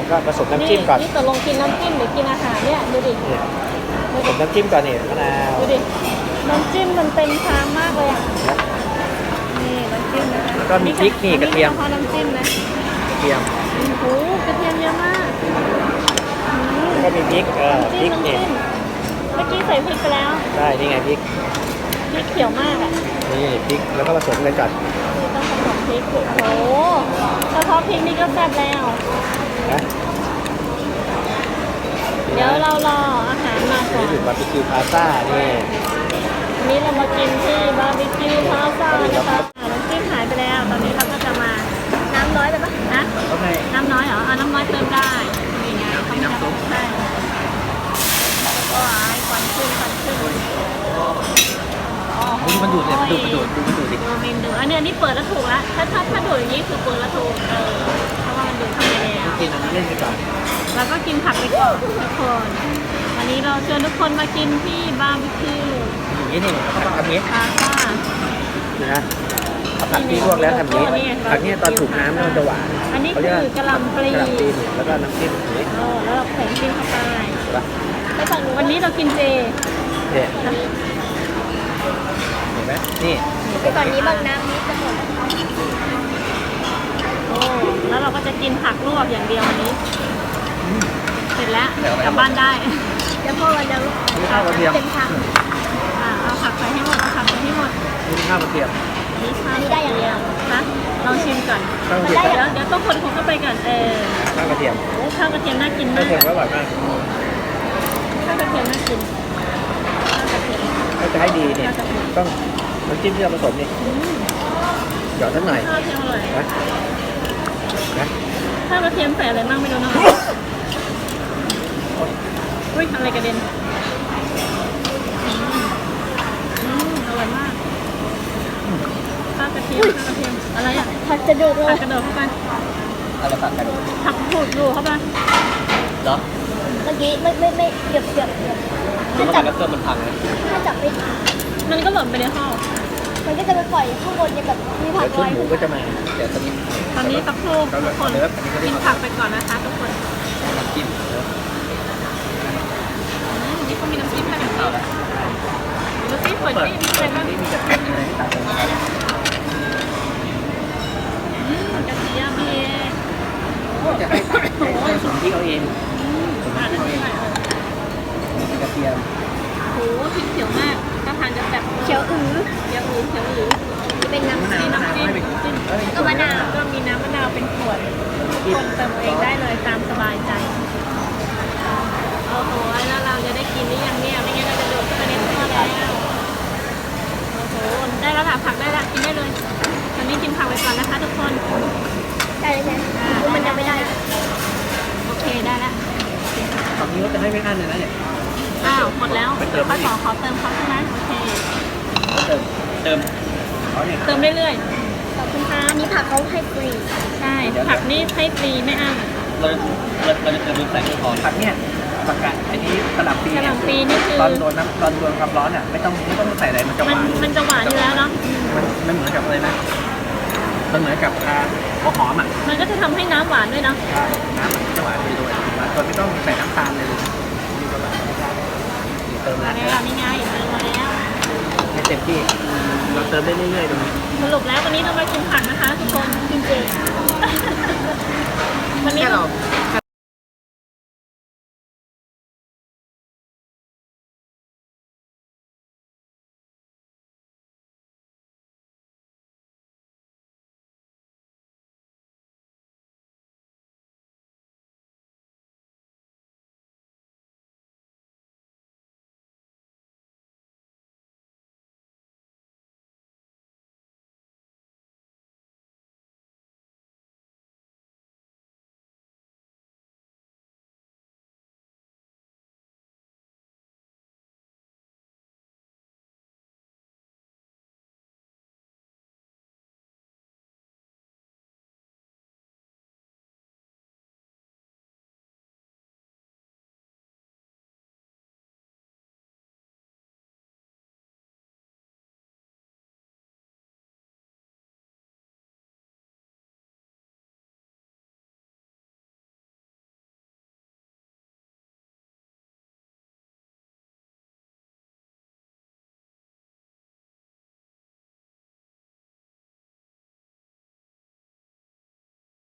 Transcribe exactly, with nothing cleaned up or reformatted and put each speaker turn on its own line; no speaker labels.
ก็ผสมน้ำจิ้มก่อน
นี่ตกลงกินน้ำจิ้มหรือกินอาหารเนี่ยดูดิ
ผสมน้ำจิ้มก่อนนี่มะนาว
ดูดิน้ำจิ้มมันเต็มชามมากเลยอ่ะนี่น้ำจิ้มนะคะ
แล้วก็มีพริกนี่กระเทียม
พอน้ำจิ้มนะ
กระเทียม
โอ้โหกระเทียมเยอะมากอืม
แล้วก็มีพริกเออพริก
น้ำ
นี่
จิ้มเมื่อกี้ใส่พริกไปแล้ว
ใช่นี่ไงพริก
พริกเขียวมากอ่ะ
นี่พริกแล้วก็ผสมกันก่อน
นี่ต้องผสมพริกโอ้โหเฉพาะพริกนี่ก็แซ่บแล้ว
นะ
เดี๋ยวเรารออาหารมาก่อน
นี่ถึงบาร์บีคิวพาซ่านี่
วันนี้เรามากินที่บาร์บีคิวพาซ่านะคะอ่าน้ำจิ้มหายไปแล้ว ตอนนี้เราก็จะมาน้ำน้อยไปปะนะ
ต้องให้
น้ำน้อยเหรออ่าน้ำน้อยเติมได้นี่ไงเขาน้ำซุปใช่ว้ายควันขึ้นควันขึ้นอ๋อ
ดูมันดูดเลยมันดูดมันดูดดูมันดูดดิ
ดูเมนดูอันนี้อันนี้เปิดแล้วถูกแล้วถ้าถ้าถ้าดูดอย่างนี้คือเปิดแล้วถูกเออเพราะว่ามันดูดเข้าไปแล้ว
กินอันนี้เล่นไปก่อน
แล้วก็กินผักไปก่อนทุกคน วันนี้เราเชิญทุกคนมากินที่บาร์บีคิว
อย่างนี้นี่ผักทำนี้
พาซ่า
ดูนะเอาผักที่ลวกแล้วทำนี้ผักนี้ตอนถูกน้ำแล้วมันจะหวาน
อันนี้
เขา
คื
เรียก
อกะหล่ำปลี
กะหล่ำปลีนี่แล้วก็น้ำจิ้มอย่างนี้
เออแล้วเราใส่น้ำจิ้มเข้าไป
ใช่ปะ
ไปฝั่งนู้นวันนี้เรากินเจ
เนี่ยเห็นไหมนี่
ไปฝั่งนี้บางน้ำนี้จะหมดโอ้แล้วเราก็จะกินผักลวกอย่างเดียววันนี้ เสร็จแล้วกลับบ้านได้เดี๋ยวพ่อวันเดียว
นี่ข้าวกระเทียม
เป็นผักอ่าเอาผักใส่ให้หมดเอาผักใส่ให้หมด
นี่ข้าวกระเทียม
นี่ชานี่ได้อย่างเดียวนะลองชิมก่อน
ข้าวกระ
เดี๋
เที
ย
ยว ม
เดี๋ยวต้องคนคนเข้าไปก่อนเออ
ข้าวกระเทียม
โอ้ข้าวกระเทียมน่ากิน
ข้าว
มาก
กระเทียมก็อร่อยมาก
ข้าวกระเทียมน่ากินข้าวกระเทียม
ถ้าจะให้ดีเนี่ยต้องน้ำจิ้มที่เราผสมนี่
อืม
หยอดสักหน่อย
ข้าวกระเทียมอร่อย
นะนะ
ข้าวกระเทียมใส่อะไรบ้างไม่รู้เนาะอุ้ยอะไรกระเด็นอืมอืมอร่อยมากข้าวกระเทียมข้าวกระเทียมอะไรอ่ะ
ผักจะดูดเล
ผั
ย
กกระโดดเข้าไป
อะไรผักกัน
ผักผูดดูเข้าไป
เหรอ
เมื่อกี้ไม่ไม่ไม่เกือบเกือบเกือบ
ถ้าจับแล้วเกิดมันพังเลย
ถ้าจับไม่ทัน
มันก็หล่นไปในห้อง
มันก็จะไปปล่อยข้างบนเนี่ยแบบมีผั
เดี๋
ก
ยว
ล
ชุด
อย
หมูก็จะมาเดี๋ยวตอนนี้
ตอนนี้ตะโพกทุกคนกินผักไปก่อนนะคะทุกคน
น้ำจิ้ม
อืมนี่เขามีน้ำจิ้มให้แบบนี้ดูสิเปิดที่มีอะไรบ้าง
นี่มีกระเทียมอะไรที่ตัดมา
อืมกระเทียมนี่เอง
จะให้ตัดให้สมที่เขาเอง
อืมอ่านได้ไหม
มีกระเทียม
โอ้โหพริกเขียวมากถ้าทานจะแบบ
เขียวอื้อ
เขียวอือเขียวอือ
จะเป็นน้ำ
มะนาว
มี
มะนาว
น้ำจิ้ม
ให้เป็น
จิ้ม
เอ้ย
ก็มะนาวก็มีน้ำมะนาวเป็นขวดทุกคนเติมเองได้เลยตามสบายใจโอ้โหแล้วเราจะได้กินหรือยังเนี่ยไม่งั้นเราจะโดดเข้าไปในท่อแล้วโอ้โหได้แล้วค่ะผักได้แล้วกินได้เลยตอนนี้กินผักไปก่อนนะคะทุกคน
ได้เลยใช่ไหมคือมันยังไม่ได้
โอเคได้แล้ว
ฝั่งนี้ก็จะให้ไม่อั้นเลยนะเนี่ย
อ้าวหมดแล้ว
ไปเติม
ป้า
อี
ข
ก
อขอเติมเขาใช่ไหมโอเค
เติมเติมเขาเนี่ย
เติมเรื่อย
ขอบคุณค่ะอันนี้ผักเขาให้ฟรี
ๆใช่ผักนี่ให้ฟรีไม่อั้น
เราเราเราจะเติมใส่กระเพาะผักเนี่ยผักกาดอันนี้กระหล่ำปี
กระห
เนี่ย
ล่ำปีนี่คือ
ตอนโดนน้ำตอนโดนความร้อนอ่ะไม่ต้องไม่ต้องใส่อะไรมันจะห
มัน
วาน
มันจะหวานอยู่แล้วเนาะ
มันมันเหมือนกับอะไรนะมันเหมือนกับอ่าหัวหอมอ่ะ
มันก็จะทำให้น้ำหวานด้วยเนาะ
น้ำมันจะหวานไปด้วยโดยไม่ต้องใส่น้ำตาลเลยนี่ก็แบบเติม
มา
แล้ว
แล้วนี่ไงเติมมาแล้ว
ให้เต็มที่เราเติมได้เรื่อยๆตรงนี้
สรุปแล้ววันนี้เรามากินผักนะคะทุกคน
กินเจ
อ